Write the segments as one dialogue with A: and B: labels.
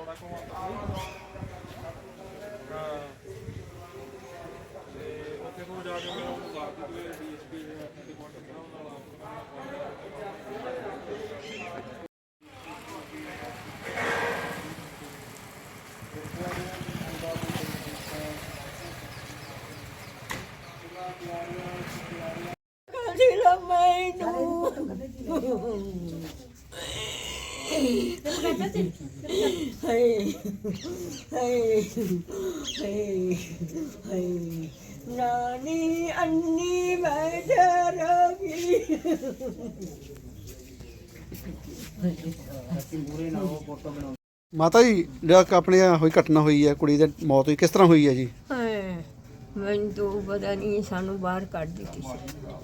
A: नानी अन्नी मैं
B: ਮਾਤਾ ਜੀ ਜਿਹੜਾ ਆਪਣੇ ਹੋਈ ਘਟਨਾ ਹੋਈ ਹੈ, ਕੁੜੀ ਦੀ ਮੌਤ ਹੋਈ, ਕਿਸ ਤਰ੍ਹਾਂ ਹੋਈ ਹੈ ਜੀ?
A: ਮੈਨੂੰ ਤਾਂ ਪਤਾ ਨਹੀਂ, ਸਾਨੂੰ ਬਾਹਰ ਕੱਢ ਦਿੱਤੀ ਸੀ।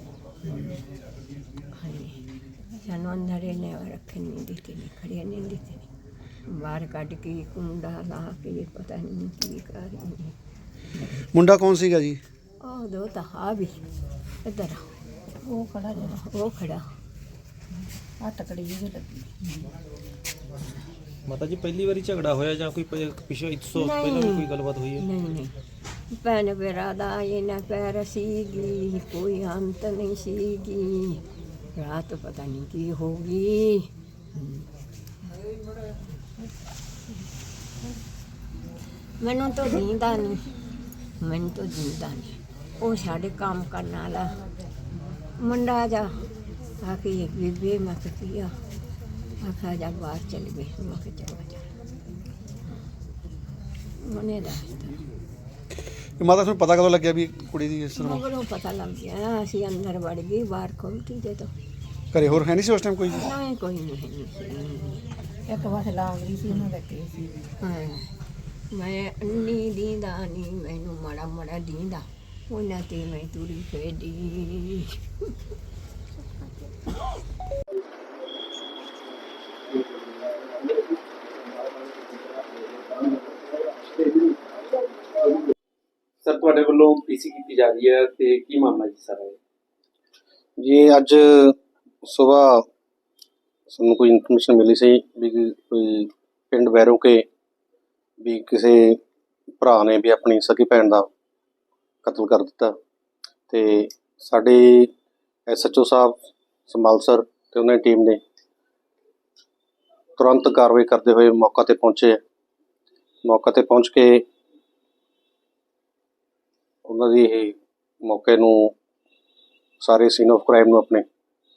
A: ਸਾਨੂੰ ਅੰਦਰ ਇਹਨੇ ਰੱਖਣ ਨਹੀਂ ਦਿੱਤੇ, ਨਹੀਂ ਖੜਿਆ ਨਹੀਂ ਦਿੱਤੇ, ਬਾਹਰ ਕੱਢ ਕੇ ਕੁੰਡਾ ਲਾ ਕੇ ਪਤਾ ਨਹੀਂ ਕੀ ਕਰ ਰਹੀ।
B: ਮੁੰਡਾ ਕੌਣ ਸੀਗਾ ਜੀ?
A: ਉਹ ਦੋ ਤਾਂ ਆ ਵੀ ਇੱਧਰ ਉਹ ਖੜਾ, ਜਿਹੜਾ ਉਹ ਖੜਾ ਆ ਤਕੜੀ ਜਿਹੀ ਲੱਗੀ।
C: ਮਾਤਾ ਜੀ ਪਹਿਲੀ ਵਾਰੀ ਝਗੜਾ ਹੋਇਆ ਜਾਂ ਕੋਈ ਪਿਛਲੇ ਇਸ ਤੋਂ ਪਹਿਲਾਂ ਵੀ ਕੋਈ ਗੱਲਬਾਤ ਹੋਈ ਹੈ?
A: ਨਹੀਂ ਨਹੀਂ, ਭੈਣ ਮੇਰਾ ਦਾ ਇਹਨਾਂ ਪੈਰ ਸੀਗੀ, ਕੋਈ ਅੰਤ ਨਹੀਂ ਸੀਗੀ। ਰਾਤ ਪਤਾ ਨਹੀਂ ਕੀ ਹੋ ਗਈ। ਮੈਨੂੰ ਤਾਂ ਜੀਂਦਾ ਨਹੀਂ, ਮੈਨੂੰ ਤਾਂ ਜੀਂਦਾ ਨਹੀਂ। ਉਹ ਸਾਡੇ ਕੰਮ ਕਰਨ ਵਾਲਾ ਮੁੰਡਾ ਜਾ ਆ ਕੇ ਬੀਬੀ ਮੈਂ ਕਿਹਾ ਆਖਾ ਜਾ ਬਾਹਰ ਚਲ ਗਏ। ਮੈਂ ਕਿਹਾ ਚਲੋ ਜਾ ਮਨੇ ਦੱਸਦਾ।
B: ਮਾਤਾ ਤੁਹਾਨੂੰ ਪਤਾ ਕਦੋਂ ਲੱਗਿਆ ਵੀ ਕੁੜੀ ਦੀ ਇਸ ਤਰ੍ਹਾਂ?
A: ਮਗਰੋਂ ਪਤਾ ਲੱਗ ਗਿਆ, ਅਸੀਂ ਅੰਦਰ ਵੜ ਗਏ, ਬਾਹਰ ਖੋਲ੍ਹਤੀ ਦੇ ਤੋਂ।
B: ਘਰੇ ਹੋਰ ਹੈ ਨਹੀਂ ਸੀ ਉਸ ਟਾਈਮ ਕੋਈ?
A: ਨਹੀਂ ਕੋਈ ਨਹੀਂ ਹੈ। ਇੱਕ ਵਾਰ ਲਾਗ ਰਹੀ ਸੀ, ਉਹਨਾਂ ਲੱਗੇ ਸੀ। ਮੈਂ ਅੰਨੀ ਦੀਂਦਾ ਨਹੀਂ, ਮੈਨੂੰ ਮਾੜਾ ਮਾੜਾ ਦੀਂਦਾ, ਉਹਨਾਂ ਤੇ ਮੈਂ ਤੁਰੀ ਫਿਰਦੀ।
D: ਸਰ ਤੁਹਾਡੇ ਵੱਲੋਂ ਪੀਸੀ ਕੀਤੀ ਜਾ ਰਹੀ ਹੈ ਤੇ ਕੀ ਮਾਮਲਾ ਜੀ ਸਾਰਾ?
E: ਜੀ ਅੱਜ ਸਵੇਰ ਸਾਨੂੰ ਕੋਈ ਇਨਫੋਰਮੇਸ਼ਨ ਮਿਲੀ ਸੀ ਵੀ ਕੋਈ ਪਿੰਡ ਵੈਰੋ ਕੇ ਵੀ ਕਿਸੇ ਭਰਾ ਨੇ ਵੀ ਆਪਣੀ ਸਕੀ ਭੈਣ ਦਾ ਕਤਲ ਕਰ ਦਿੱਤਾ, ਤੇ ਸਾਡੇ SHO ਸਾਹਿਬ ਸੰਭਾਲਸਰ ਤੇ ਉਹਨਾਂ ਦੀ ਟੀਮ ਨੇ ਤੁਰੰਤ ਕਾਰਵਾਈ ਕਰਦੇ ਹੋਏ ਮੌਕਾ ਤੇ ਪਹੁੰਚੇ। ਮੌਕਾ ਤੇ ਪਹੁੰਚ ਕੇ ਉਹਨਾਂ ਦੀ ਇਹ ਮੌਕੇ ਨੂੰ ਸਾਰੇ ਸੀਨ ਆਫ ਕ੍ਰਾਈਮ ਨੂੰ ਆਪਣੇ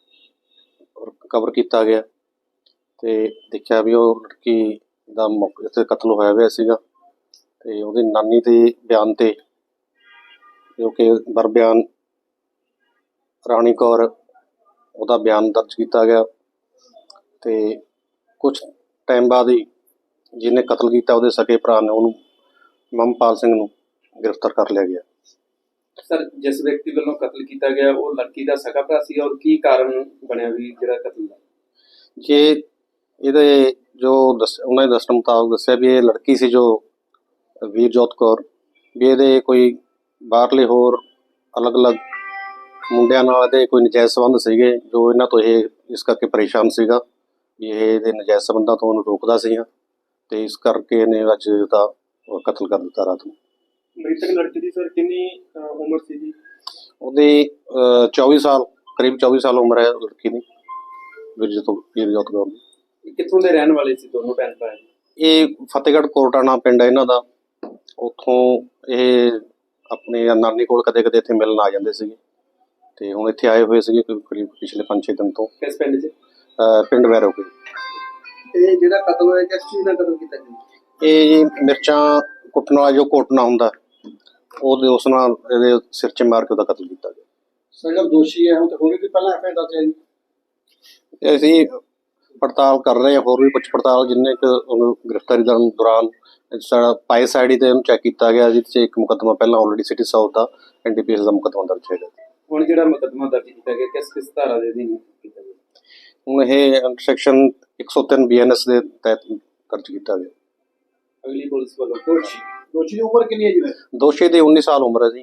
E: ਕਵਰ ਕੀਤਾ ਗਿਆ ਤੇ ਦੇਖਿਆ ਵੀ ਉਹ ਲੜਕੀ ਦਾ ਮੌਕੇ 'ਤੇ ਕਤਲ ਹੋਇਆ ਹੋਇਆ ਸੀਗਾ, ਤੇ ਉਹਦੀ ਨਾਨੀ ਦੇ ਬਿਆਨ ਤੇ ਜੋ ਕਿ ਬਰ ਬਿਆਨ ਰਾਣੀ ਕੌਰ, ਉਹਦਾ ਬਿਆਨ ਦਰਜ ਕੀਤਾ ਗਿਆ ਤੇ ਕੁਝ ਟਾਈਮ ਬਾਅਦ ਹੀ ਜਿਹਨੇ ਕਤਲ ਕੀਤਾ ਉਹਦੇ ਸਕੇ ਭਰਾ ਨੇ ਉਹਨੂੰ ਮਮਪਾਲ ਸਿੰਘ ਨੂੰ ਗ੍ਰਿਫਤਾਰ ਕਰ ਲਿਆ ਗਿਆ।
D: ਸਰ ਜਿਸ ਵਿਅਕਤੀ ਵੱਲੋਂ ਕਤਲ ਕੀਤਾ ਗਿਆ ਉਹ ਲੜਕੀ ਦਾ ਸਕਾ ਭਰਾ ਸੀ, ਔਰ ਕੀ ਕਾਰਨ ਬਣਿਆ ਵੀ ਜਿਹੜਾ ਕਤਲ ਦਾ?
E: ਜੇ ਇਹਦੇ ਜੋ ਉਹਨਾਂ ਦੇ ਦੱਸਣ ਮੁਤਾਬਕ ਦੱਸਿਆ ਵੀ ਇਹ ਲੜਕੀ ਸੀ ਜੋ ਵੀਰਜੋਤ ਕੌਰ, ਵੀ ਇਹਦੇ ਕੋਈ ਬਾਹਰਲੇ ਹੋਰ ਅਲੱਗ-ਅਲੱਗ ਮੁੰਡਿਆਂ ਨਾਲ ਇਹਦੇ ਕੋਈ ਨਜਾਇਜ਼ ਸੰਬੰਧ ਸੀਗੇ, ਜੋ ਇਹਨਾਂ ਤੋਂ ਇਹ ਇਸ ਕਰਕੇ ਪਰੇਸ਼ਾਨ ਸੀਗਾ ਵੀ ਇਹ ਇਹਦੇ ਨਜਾਇਜ਼ ਸੰਬੰਧਾਂ ਤੋਂ ਉਹਨੂੰ ਰੋਕਦਾ ਸੀਗਾ, ਤੇ ਇਸ ਕਰਕੇ ਇਹਨੇ ਅੱਜ ਉਹਦਾ ਕਤਲ ਕਰ ਦਿੱਤਾ ਰਾਤ ਨੂੰ।
D: ਮ੍ਰਿਤਕ ਲੜਕੀ ਦੀ ਸਰ ਕਿੰਨੀ ਉਮਰ ਸੀ ਜੀ?
E: ਉਹਦੀ 24 ਸਾਲ, ਕਰੀਬ 24 ਸਾਲ ਉਮਰ ਹੈ ਲੜਕੀ ਦੀ, ਵੀਰਜੋਤ ਕੌਰ ਦੀ।
D: ਕਿੱਥੋਂ ਦੇ ਰਹਿਣ ਵਾਲੇ ਸੀ ਦੋਨੋਂ ਭੈਣ ਭਰਾ?
E: ਇਹ ਫਤਿਹਗੜ੍ਹ ਕੋਟਾਣਾ ਪਿੰਡ ਹੈ ਇਹਨਾਂ ਦਾ। ਉੱਥੋਂ ਇਹ ਆਪਣੇ ਨਾਨੀ ਕੋਲ ਕਦੇ ਕਦੇ ਇੱਥੇ ਮਿਲਣ ਆ ਜਾਂਦੇ ਸੀਗੇ, ਤੇ ਹੁਣ ਇੱਥੇ ਆਏ ਹੋਏ ਸੀਗੇ ਕਰੀਬ ਪਿਛਲੇ 5-6 ਦਿਨ ਤੋਂ।
D: ਕਿਸ ਪਿੰਡ 'ਚ?
E: ਪਿੰਡ ਵੈਰੋ ਕੇ।
D: ਇਹ ਜਿਹੜਾ ਕਤਲ ਹੋਇਆ ਕਿਸ ਚੀਜ਼ ਨਾਲ ਕਤਲ ਕੀਤਾ ਜੀ?
E: ਇਹ ਮਿਰਚਾਂ ਕੁੱਟਣ ਵਾਲਾ ਜੋ ਕੋਟਣਾ ਹੁੰਦਾ, ਉਹਦੇ ਉਸ ਨਾਲ ਇਹਦੇ ਸਿਰ 'ਚ ਮਾਰ ਕੇ ਉਹਦਾ ਕਤਲ ਕੀਤਾ ਗਿਆ।
D: ਸਰ ਦੋਸ਼ੀ ਹੈ ਉਹ ਤਾਂ ਹੋਰ ਵੀ ਪਹਿਲਾਂ ਐਫਆਈਆਰ ਦਰਜ ਹੈ ਜੀ?
E: ਅਸੀਂ ਪੜਤਾਲ ਕਰ ਰਹੇ ਹਾਂ, ਹੋਰ ਵੀ ਪੁੱਛ ਪੜਤਾਲ, ਜਿੰਨੇ ਕੁ ਉਹਨੂੰ ਗ੍ਰਿਫਤਾਰੀ ਕਰਨ ਦੌਰਾਨ ਸਾਡਾ ਪਾਈਸ ਆਈਡੀ ਤੇ ਉਹਨੂੰ ਚੈੱਕ ਕੀਤਾ ਗਿਆ, ਜਿਹਦੇ 'ਚ ਇੱਕ ਮੁਕੱਦਮਾ ਪਹਿਲਾਂ ਆਲਰੇਡੀ ਸਿਟੀ ਸਾਊਥ ਦਾ NDPS ਦਾ ਮੁਕੱਦਮਾ ਦਰਜ ਹੈਗਾ।
D: ਹੁਣ ਜਿਹੜਾ ਮੁਕੱਦਮਾ ਦਰਜ ਕੀਤਾ ਗਿਆ ਕਿਸ ਧਾਰਾ ਦੇ ਅਧੀਨ ਕੀਤਾ ਗਿਆ?
E: ਹੁਣ ਇਹ ਸੈਕਸ਼ਨ 103 BNS ਦੇ ਤਹਿਤ ਦਰਜ ਕੀਤਾ ਗਿਆ।
D: ਅਗਲੀ ਪੁਲਿਸ ਵੱਲੋਂ ਦੋਸ਼ੀ ਦੀ ਉਮਰ ਕਿੰਨੀ ਹੈ ਜੀ?
E: ਦੋਸ਼ੀ ਦੀ 19 ਸਾਲ ਉਮਰ ਹੈ ਜੀ।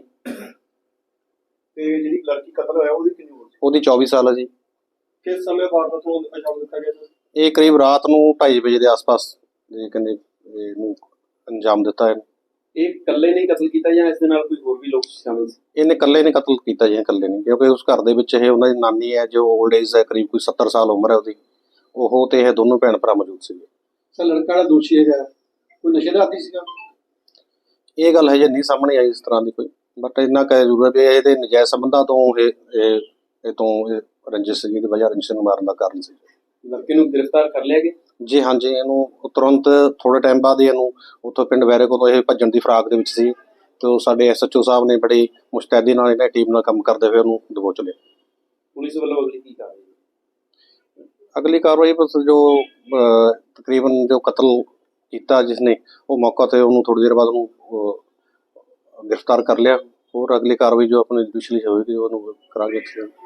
D: ਤੇ ਜਿਹੜੀ ਲੜਕੀ ਕਤਲ ਹੋਇਆ ਉਹਦੀ ਕਿੰਨੀ ਉਮਰ?
E: ਉਹਦੀ 24 ਸਾਲ ਹੈ ਜੀ।
D: ਕਿਸ ਸਮੇਂ ਵਾਰਦਾਤ ਨੂੰ ਅੰਜਾਮ ਦਿੱਤਾ ਗਿਆ?
E: ਇਹ ਕਰੀਬ ਰਾਤ ਨੂੰ 2:30 ਵਜੇ ਦੇ ਆਸ-ਪਾਸ ਕਹਿੰਦੇ ਇਹਨੂੰ ਅੰਜਾਮ ਦਿੱਤਾ ਹੈ।
D: ਇਹ ਇਕੱਲੇ ਨਹੀਂ ਕਤਲ ਕੀਤਾ ਜਾਂ ਇਸ ਦੇ ਨਾਲ ਕੋਈ ਹੋਰ ਵੀ ਲੋਕ ਸ਼ਾਮਿਲ ਸੀ?
E: ਇਹਨੇ ਇਕੱਲੇ ਨੇ ਕਤਲ ਕੀਤਾ ਜੀ, ਇਕੱਲੇ ਨਹੀਂ, ਕਿਉਂਕਿ ਉਸ ਘਰ ਦੇ ਵਿੱਚ ਇਹ ਉਹਨਾਂ ਦੀ ਨਾਨੀ ਹੈ ਜੋ ਓਲਡ ਏਜ ਹੈ, ਕਰੀਬ ਕੋਈ 70 ਸਾਲ ਉਮਰ ਹੈ ਉਹਦੀ, ਉਹ ਤੇ ਇਹ ਦੋਨੋਂ ਭੈਣ ਭਰਾ ਮੌਜੂਦ ਸੀਗੇ।
B: ਸਰ ਲੜਕਾ ਜਿਹੜਾ ਦੋਸ਼ੀ ਹੈਗਾ ਕੋਈ ਨਸ਼ੇ ਦਾ ਆਦੀ ਸੀਗਾ?
E: ਇਹ ਗੱਲ ਹਜੇ ਨਹੀਂ ਸਾਹਮਣੇ ਆਈ ਇਸ ਤਰ੍ਹਾਂ ਦੀ ਕੋਈ, ਬਟ ਇੰਨਾ ਕਹਿ ਜ਼ਰੂਰ ਹੈ ਵੀ ਇਹਦੇ ਨਜਾਇਜ਼ ਸੰਬੰਧਾਂ ਤੋਂ ਇਹ ਰੰਜਿਸ਼ ਸੀਗੀ ਦੀ ਵਜ੍ਹਾ, ਰੰਜਿਸ਼ ਨੂੰ ਮਾਰਨ ਦਾ ਕਾਰਨ ਸੀ।
D: ਲੜਕੇ ਨੂੰ ਗ੍ਰਿਫਤਾਰ ਕਰ ਲਿਆ ਗਿਆ?
E: ਜੀ ਹਾਂਜੀ, ਇਹਨੂੰ ਤੁਰੰਤ ਥੋੜੇ ਟਾਈਮ ਬਾਅਦ ਹੀ ਇਹਨੂੰ ਉੱਥੋਂ ਪਿੰਡ ਵੈਰੇ ਕੋਲੋਂ ਇਹ ਭੱਜਣ ਦੀ ਫਰਾਕ ਦੇ ਵਿੱਚ ਸੀ, ਤੇ ਉਹ ਸਾਡੇ SHO ਸਾਹਿਬ ਨੇ ਬੜੀ ਮੁਸਤੈਦੀ ਨਾਲ ਇਹਨਾਂ ਟੀਮ ਨਾਲ ਕੰਮ ਕਰਦੇ ਹੋਏ ਉਹਨੂੰ ਦਬੋਚ ਲਿਆ।
D: ਪੁਲਿਸ ਵੱਲੋਂ ਅਗਲੀ ਕੀ ਕਾਰਵਾਈ?
E: ਅਗਲੀ ਕਾਰਵਾਈ ਬਸ ਜੋ ਤਕਰੀਬਨ ਜੋ ਕਤਲ ਕੀਤਾ ਜਿਸਨੇ, ਉਹ ਮੌਕਾ ਤੇ ਉਹਨੂੰ ਥੋੜੀ ਦੇਰ ਬਾਅਦ ਉਹਨੂੰ ਗ੍ਰਿਫਤਾਰ ਕਰ ਲਿਆ। ਹੋਰ ਅਗਲੀ ਕਾਰਵਾਈ ਜੋ ਆਪਣੀ ਜੁਡੀਸ਼ਲੀ ਹੋਏਗੀ ਉਹਨੂੰ ਕਰਾਂਗੇ।